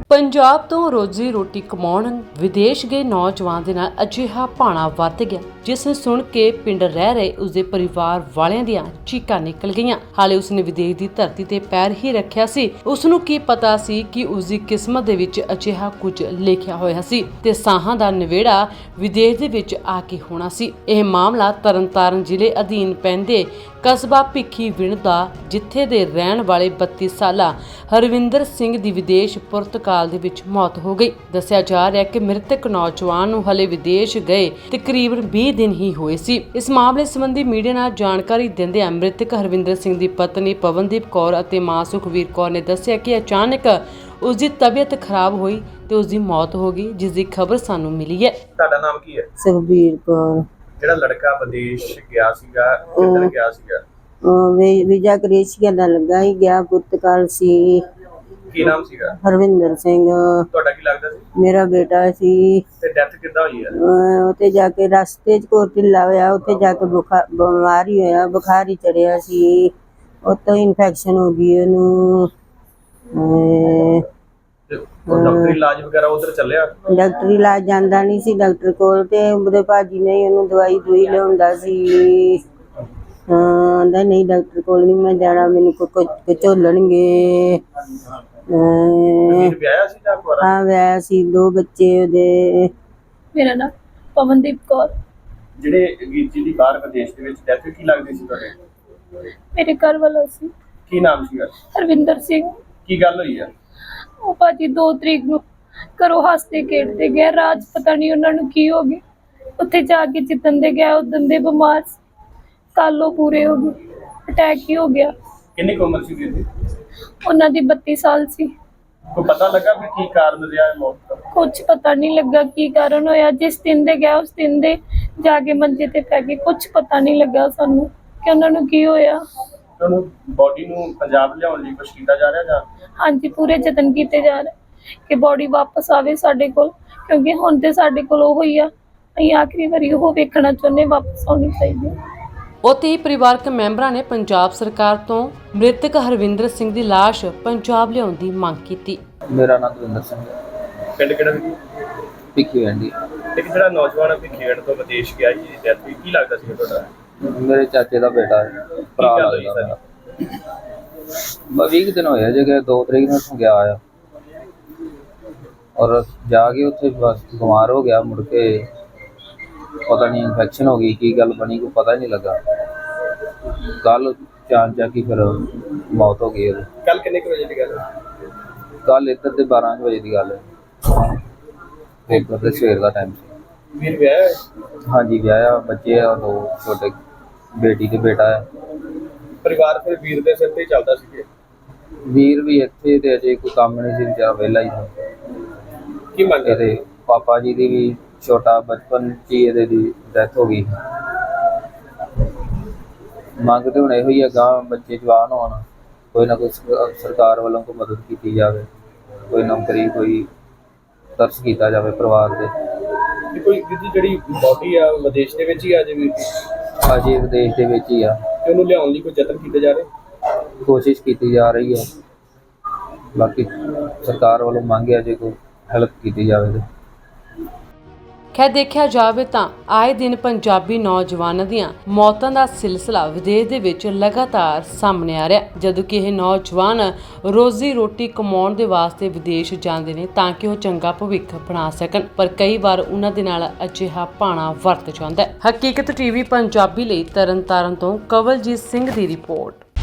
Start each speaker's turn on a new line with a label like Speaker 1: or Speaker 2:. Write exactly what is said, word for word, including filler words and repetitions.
Speaker 1: ਪੰਜਾਬ ਤੋਂ ਰੋਜ਼ੀ ਰੋਟੀ ਕਮਾਉਣ ਵਿਦੇਸ਼ ਗਏ ਨੌਜਵਾਨ ਦੇ ਨਾਲ ਅਜਿਹਾ ਭਾਣਾ ਵਰਤ ਗਿਆ, ਜਿਸ ਨੂੰ ਸੁਣ ਕੇ ਪਿੰਡ ਰਹਿ ਰਹੇ ਉਸਦੇ ਪਰਿਵਾਰ ਵਾਲਿਆਂ ਦੀਆਂ ਚੀਕਾਂ ਨਿਕਲ ਗਈਆਂ। ਹਾਲੇ ਉਸਨੇ ਵਿਦੇਸ਼ ਦੀ ਧਰਤੀ ਤੇ ਪੈਰ ਹੀ ਰੱਖਿਆ ਸੀ। ਉਸ ਨੂੰ ਕੀ ਪਤਾ ਸੀ ਕਿ ਉਸਦੀ ਕਿਸਮਤ ਦੇ ਵਿੱਚ ਅਜਿਹਾ ਕੁਝ ਲਿਖਿਆ ਹੋਇਆ ਸੀ ਤੇ ਸਾਹਾਂ ਦਾ ਨਿਵੇੜਾ ਵਿਦੇਸ਼ ਦੇ ਵਿੱਚ ਆ ਕੇ ਹੋਣਾ ਸੀ। ਇਹ ਮਾਮਲਾ ਤਰਨਤਾਰਨ ਜ਼ਿਲ੍ਹੇ ਅਧੀਨ ਪੈਂਦੇ ਕਸਬਾ ਭਿੱਖੀਵਿੰਡ ਦਾ, ਜਿੱਥੇ ਦੇ ਰਹਿਣ ਵਾਲੇ ਬੱਤੀ ਸਾਲਾ ਹਰਵਿੰਦਰ ਸਿੰਘ ਦੀ ਵਿਦੇਸ਼ ਪੁਰਤਗਾਲ ਦੇ ਵਿੱਚ ਮੌਤ ਹੋ ਗਈ। ਦੱਸਿਆ ਜਾ ਰਿਹਾ ਹੈ ਕਿ ਮ੍ਰਿਤਕ ਨੌਜਵਾਨ ਨੂੰ ਹਲੇ ਵਿਦੇਸ਼ ਗਏ ਤਕਰੀਬਨ ਵੀਹ ਦਿਨ ਹੀ ਹੋਏ ਸੀ। ਇਸ ਮਾਮਲੇ ਸੰਬੰਧੀ ਮੀਡੀਆ ਨਾਲ ਜਾਣਕਾਰੀ ਦਿੰਦਿਆਂ ਮ੍ਰਿਤਕ ਹਰਵਿੰਦਰ ਸਿੰਘ ਦੀ ਪਤਨੀ ਪਵਨਦੀਪ ਕੌਰ ਅਤੇ ਮਾਂ ਸੁਖਵੀਰ ਕੌਰ ਨੇ ਦੱਸਿਆ ਕਿ ਅਚਾਨਕ ਉਸ ਦੀ ਤਬੀਅਤ ਖਰਾਬ ਹੋਈ ਤੇ ਉਸ ਦੀ ਮੌਤ ਹੋ ਗਈ, ਜਿਸ ਦੀ ਖਬਰ ਸਾਨੂੰ ਮਿਲੀ ਹੈ।
Speaker 2: ਤੁਹਾਡਾ ਨਾਮ ਕੀ ਹੈ?
Speaker 3: ਸੁਖਬੀਰ ਕੌਰ।
Speaker 2: ਜਿਹੜਾ ਲੜਕਾ ਵਿਦੇਸ਼ ਗਿਆ ਸੀਗਾ, ਕਿੱਧਰ ਗਿਆ ਸੀਗਾ?
Speaker 3: ਉਹ ਵੀਜ਼ਾ ਕ੍ਰੇਸ਼ੀਆ ਦਾ ਲੱਗਾ ਹੀ ਗਿਆ, ਪੁਰਤਗਾਲ ਸੀ।
Speaker 2: ਕੀ ਨਾਮ ਸੀਗਾ?
Speaker 3: ਹਰਵਿੰਦਰ ਸਿੰਘ।
Speaker 2: ਤੁਹਾਡਾ ਕੀ ਲੱਗਦਾ ਸੀ?
Speaker 3: ਮੇਰਾ ਬੇਟਾ ਸੀ।
Speaker 2: ਤੇ ਡੈਥ ਕਿੱਦਾਂ ਹੋਈ ਹੈ?
Speaker 3: ਉੱਥੇ ਜਾ ਕੇ ਰਸਤੇ 'ਚ ਕੋਈ ਢਿੱਲਾ ਹੋਇਆ, ਉੱਥੇ ਜਾ ਕੇ ਬੁਖਾਰ ਬਿਮਾਰੀ ਹੋਇਆ, ਬੁਖਾਰ ਹੀ ਚੜਿਆ ਸੀ। ਉੱਤੋਂ ਇਨਫੈਕਸ਼ਨ ਹੋ ਗਈ ਉਹਨੂੰ।
Speaker 2: ਡਾਕਟਰੀ ਇਲਾਜ ਵਗੈਰਾ ਉਧਰ ਚੱਲਿਆ?
Speaker 3: ਡਾਕਟਰੀ ਇਲਾਜ ਜਾਂਦਾ ਨਹੀਂ ਸੀ ਡਾਕਟਰ ਕੋਲ, ਤੇ ਉਹਦੇ ਭਾਜੀ ਨੇ ਉਹਨੂੰ ਦਵਾਈ ਦੂਈ ਲਿਆਉਂਦਾ ਸੀ। ਹਾਂ ਨਹੀਂ, ਡਾਕਟਰ ਕੋਲ ਨਹੀਂ ਮੈਂ ਜਾਣਾ, ਮੈਨੂੰ ਕੋਈ ਝੋਲਣਗੇ।
Speaker 2: ਵਿਆਹਿਆ ਸੀ ਜਾਂ ਕੁਆਰਾ?
Speaker 3: ਹਾਂ ਵਿਆਹਿਆ ਸੀ, ਦੋ ਬੱਚੇ ਉਹਦੇ।
Speaker 4: ਮੇਰਾ ਨਾਮ ਪਵਨਦੀਪ ਕੌਰ।
Speaker 2: ਜਿਹੜੇ ਵੀਰ ਜੀ ਦੀ ਬਾਹਰ ਵਿਦੇਸ਼ ਦੇ ਵਿੱਚ ਡੈਥ ਕੀ ਲੱਗਦੀ ਸੀ ਤੁਹਾਡੇ?
Speaker 4: ਮੇਰੇ ਘਰ ਵਾਲਾ ਸੀ।
Speaker 2: ਕੀ ਨਾਮ ਸੀਗਾ?
Speaker 4: ਹਰਵਿੰਦਰ ਸਿੰਘ।
Speaker 2: ਕੀ ਗੱਲ ਹੋਈ ਹੈ?
Speaker 4: ਉਹ ਭਾਜੀ ਦੋ ਤਰੀਕ ਨੂੰ ਘਰੋਂ ਹੱਸਦੇ ਖੇਡਦੇ ਗਏ, ਰਾਜ ਪਤਾ ਨਹੀਂ ਉਹਨਾਂ ਨੂੰ ਕੀ ਹੋ ਗਿਆ। ਉੱਥੇ ਜਾ ਕੇ ਜਿੱਦਣ ਦੇ ਗਿਆ ਉਦਣ ਦੇ ਬਿਮਾਰ ਸੀ। ਕੱਲ ਉਹ ਪੂਰੇ ਹੋ ਗਏ, ਅਟੈਕ ਹੀ ਹੋ ਗਿਆ।
Speaker 2: ਕਿੰਨੀ ਕੁ ਉਮਰ ਸੀ ਵੀਰ ਦੀ?
Speaker 4: ਉਹਨਾਂ ਦੀ ਬੱਤੀ ਸਾਲ ਸੀ।
Speaker 2: ਕੋਈ ਪਤਾ ਲੱਗਾ ਵੀ ਕੀ ਕਾਰਨ ਰਿਹਾ ਹੈ ਮੌਤ ਦਾ? ਕੁਝ
Speaker 4: ਪਤਾ ਨਹੀਂ ਲੱਗਾ ਕੀ ਕਾਰਨ ਹੋਇਆ। ਜਿਸ ਦਿਨ ਦੇ ਗਿਆ ਉਸ ਦਿਨ ਦੇ ਜਾ ਕੇ ਮੰਜੇ ਤੇ ਪੈ ਗਏ। ਕੁਝ ਪਤਾ ਨਹੀਂ ਲੱਗਾ ਸਾਨੂੰ ਕਿ ਉਹਨਾਂ ਨੂੰ ਕੀ ਹੋਇਆ।
Speaker 2: ਉਹਨੂੰ ਬੋਡੀ ਨੂੰ ਪੰਜਾਬ ਲਿਆਉਣ ਲਈ ਕੁਛ ਕੀਤਾ ਜਾ ਰਿਹਾ ਜਾਂ?
Speaker 4: ਹਾਂਜੀ, ਪੂਰੇ ਯਤਨ ਕੀਤੇ ਜਾ ਰਹੇ ਕਿ ਬੋਡੀ ਵਾਪਸ ਆਵੇ ਸਾਡੇ ਕੋਲ, ਕਿਉਂਕਿ ਹੁਣ ਤੇ ਸਾਡੇ ਕੋਲ ਉਹ ਹੀ ਆ। ਅਸੀਂ ਆਖਰੀ ਵਾਰੀ ਉਹ ਵੇਖਣਾ ਚਾਹੁੰਦੇ, ਵਾਪਸ ਆਉਣੀ ਚਾਹੀਦੀ ਹੈ।
Speaker 1: ਉੱਥੇ ਹੀ ਪਰਿਵਾਰਕ ਮੈਂਬਰਾਂ ਨੇ ਪੰਜਾਬ ਸਰਕਾਰ ਤੋਂ ਮ੍ਰਿਤਕ ਹਰਵਿੰਦਰ ਸਿੰਘ ਦੀ ਲਾਸ਼ ਪੰਜਾਬ ਲਿਆਉਣ ਦੀ ਮੰਗ ਕੀਤੀ।
Speaker 5: ਮੇਰਾ ਨਾਮ ਦਵਿੰਦਰ ਸਿੰਘ।
Speaker 2: ਪਿੰਡ ਕਿਹੜਾ ਸੀ?
Speaker 5: ਭਿੱਖੀਵਿੰਡ।
Speaker 2: ਇੱਕ ਜਿਹੜਾ ਨੌਜਵਾਨ ਭਿੱਖੀਵਿੰਡ ਤੋਂ ਵਿਦੇਸ਼ ਗਿਆ ਜੀ, ਡੈਥ ਹੋਈ, ਕੀ ਲੱਗਦਾ ਸੀ ਤੁਹਾਡਾ?
Speaker 5: ਮੇਰੇ ਚਾਚੇ ਦਾ ਬੇਟਾ ਹੈ, ਭਰਾ ਲੱਗਦਾ ਮੇਰਾ। ਬਸ ਵੀਹ ਦਿਨ ਹੋਇਆ ਜੇ ਕਿ ਦੋ ਤਰੀਕ ਨੂੰ ਗਿਆ ਆ, ਔਰ ਜਾ ਕੇ ਉੱਥੇ ਬਸ ਬਿਮਾਰ ਹੋ ਗਿਆ। ਮੁੜ ਕੇ ਪਤਾ ਨਹੀਂ ਇਨਫੈਕਸ਼ਨ ਹੋ ਗਈ, ਕੀ ਗੱਲ ਬਣੀ ਕੋਈ ਪਤਾ ਨਹੀਂ ਲੱਗਾ। ਕੱਲ ਚਾਰ ਜਾ ਕੇ ਫਿਰ ਮੌਤ ਹੋ ਗਈ ਉਹਦੀ।
Speaker 2: ਕੱਲ ਕਿੰਨੇ ਕੁ ਵਜੇ ਦੀ ਗੱਲ ਹੈ?
Speaker 5: ਕੱਲ ਇੱਧਰ ਦੇ ਬਾਰਾਂ ਵਜੇ ਦੀ ਗੱਲ ਹੈ। ਪੇਪਰ ਦੇ ਸਵੇਰ ਦਾ ਟਾਈਮ ਸੀ।
Speaker 2: ਵੀਰ ਵਿਆਹਿਆ?
Speaker 5: ਹਾਂਜੀ ਵਿਆਹਿਆ, ਬੱਚੇ ਆ ਦੋ ਛੋਟੇ, ਬੇਟੀ ਤੇ ਬੇਟਾ ਹੈ।
Speaker 2: ਪਰਿਵਾਰ ਫਿਰ ਵੀਰ ਦੇ ਸਿਰ ਤੇ ਹੀ ਚੱਲਦਾ ਸੀ?
Speaker 5: ਵੀਰ ਵੀ ਇੱਥੇ ਤੇ ਅਜੇ ਕੋਈ ਕੰਮ ਨਹੀਂ ਸੀ, ਵਿਚਾਰਾ ਵਿਹਲਾ ਹੀ ਸੀ।
Speaker 2: ਕੀ ਮੰਗ
Speaker 5: ਇਹਦੇ ਪਾਪਾ ਜੀ ਦੀ ਵੀ ਛੋਟਾ ਬਚਪਨ 'ਚ ਹੀ ਇਹਦੇ ਦੀ ਡੈਥ ਹੋ ਗਈ। ਮੰਗ ਤੇ ਹੁਣ ਇਹੋ ਹੀ ਆ, ਗਾਂ ਬੱਚੇ ਜਵਾਨ ਹੋਣ, ਕੋਈ ਨਾ ਕੋਈ ਸਰਕਾਰ ਵੱਲੋਂ ਕੋਈ ਮਦਦ ਕੀਤੀ ਜਾਵੇ, ਕੋਈ ਨੌਕਰੀ, ਕੋਈ ਤਰਸ ਕੀਤਾ ਜਾਵੇ ਪਰਿਵਾਰ ਦੇ।
Speaker 2: ਕੋਈ ਜਿਹੜੀ ਬੋਡੀ ਆ ਵਿਦੇਸ਼ ਦੇ ਵਿੱਚ ਹੀ ਆ ਜੇ ਵੀਰ ਦੀ?
Speaker 5: ਅਜੇ ਵਿਦੇਸ਼ ਦੇ ਵਿੱਚ ਹੀ ਆ।
Speaker 2: ਤੇ ਉਹਨੂੰ ਲਿਆਉਣ ਲਈ ਕੋਈ ਯਤਨ ਕੀਤੇ ਜਾ ਰਹੇ?
Speaker 5: ਕੋਸ਼ਿਸ਼ ਕੀਤੀ ਜਾ ਰਹੀ ਹੈ। ਬਾਕੀ ਸਰਕਾਰ ਵੱਲੋਂ ਮੰਗ ਹੈ ਜੇ ਕੋਈ ਹੈਲਪ ਕੀਤੀ ਜਾਵੇ ਤੇ।
Speaker 1: ਖੈਰ ਦੇਖਿਆ ਜਾਵੇ ਤਾਂ ਆਏ ਦਿਨ ਪੰਜਾਬੀ ਨੌਜਵਾਨਾਂ ਦੀਆਂ ਮੌਤਾਂ ਦਾ ਸਿਲਸਿਲਾ ਵਿਦੇਸ਼ ਦੇ ਵਿੱਚ ਲਗਾਤਾਰ ਸਾਹਮਣੇ ਆ ਰਿਹਾ, ਜਦੋਂ ਕਿ ਇਹ ਨੌਜਵਾਨ ਰੋਜ਼ੀ ਰੋਟੀ ਕਮਾਉਣ ਦੇ ਵਾਸਤੇ ਵਿਦੇਸ਼ ਜਾਂਦੇ ਨੇ ਤਾਂ ਕਿ ਉਹ ਚੰਗਾ ਭਵਿੱਖ ਬਣਾ ਸਕਣ, ਪਰ ਕਈ ਵਾਰ ਉਹਨਾਂ ਦੇ ਨਾਲ ਅਜਿਹਾ ਭਾਣਾ ਵਰਤ ਜਾਂਦਾ ਹੈ। ਹਕੀਕਤ ਟੀਵੀ ਪੰਜਾਬੀ ਲਈ ਤਰਨਤਾਰਨ ਤੋਂ ਕਵਲਜੀਤ ਸਿੰਘ ਦੀ ਰਿਪੋਰਟ।